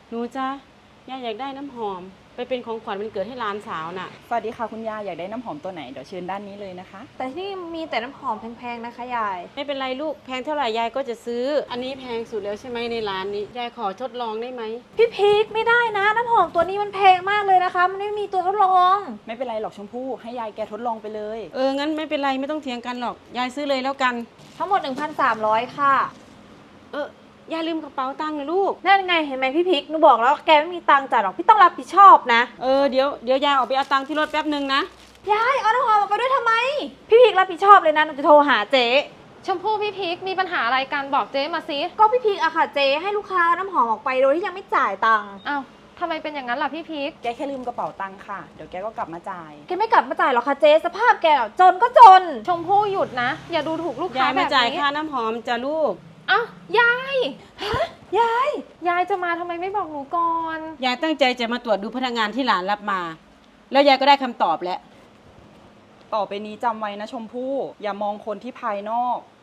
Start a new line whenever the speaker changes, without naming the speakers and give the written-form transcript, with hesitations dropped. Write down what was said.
หนูจ้ะยายอยากได้น้ำหอมไปเป็นของขวัญวันเกิดให้หลานสาวน่ะ
สวัสดีค่ะคุณยายอยากได้น้ำหอมตัวไหนเดี๋ยวเชิญด้านนี้เลยนะคะ
แต่ที่นี่มีแต่น้ำหอมแพงๆนะคะยาย
ไม่เป็นไรลูกแพงเท่าไหร่ยายก็จะซื้อ อันนี้แพงสุดแล้วใช่ไหมในร้านนี้ยายขอทดลองได้ไหม
พี่พีคไม่ได้นะน้ำหอมตัวนี้มันแพงมากเลยนะคะ มันไม่มีตัวทดลอง
ไม่เป็นไรหรอกชมพู่ให้ยายแกทดลองไปเลย
งั้นไม่เป็นไรไม่ต้องเถียงกันหรอกยายซื้อเลยแล้วกัน
ทั้งหมด 1,300 ค่ะ
ยายลืมกระเป๋าตังค์นะลูก
นั่นไงเห็นไหมพี่พีคหนูบอกแล้วแกไม่มีตังค์จ่ายหรอกพี่ต้องรับผิดชอบนะ
เดี๋ยวยายออกไปเอาตังค์ที่รถแป๊บนึงนะ
ยายเอาน้ำหอมออกไปด้วยทำไม พี่พีครับผิดชอบเลยนะหนูจะโทรหาเจ๊
ชมพู่พี่พีคมีปัญหาอะไรกันบอกเจ๊มาสิ
ก็พี่พีคอะค่ะเจ๊ให้ลูกค้าเอาน้ำหอมออกไปโดยที่ยังไม่จ่ายตังค์
อ้าวทำไมเป็นอย่างนั้นล่ะพี่พีค
แกแค่ลืมกระเป๋าตังค์ค่ะเดี๋ยวแกก็กลับมาจ่าย
แกไม่กลับมาจ่ายหรอกค่ะเจ๊สภาพแกอะจนก็จน
ชมพู่หยุดนะ อย่าดูถูกลูกค้าย
าย
แบ
มา
บ
จ่าย
นี้
ค่าน้ำหอมจ้ะลูก
อ้าวยาย
ยาย
ยายจะมาทำไมไม่บอกหนูก่อน
ยายตั้งใจจะมาตรวจดูพนักงานที่หลานรับมา แล้วยายก็ได้คำตอบแล้ว
ต่อไปนี้จำไว้นะชมพู่อย่ามองคนที่ภายนอก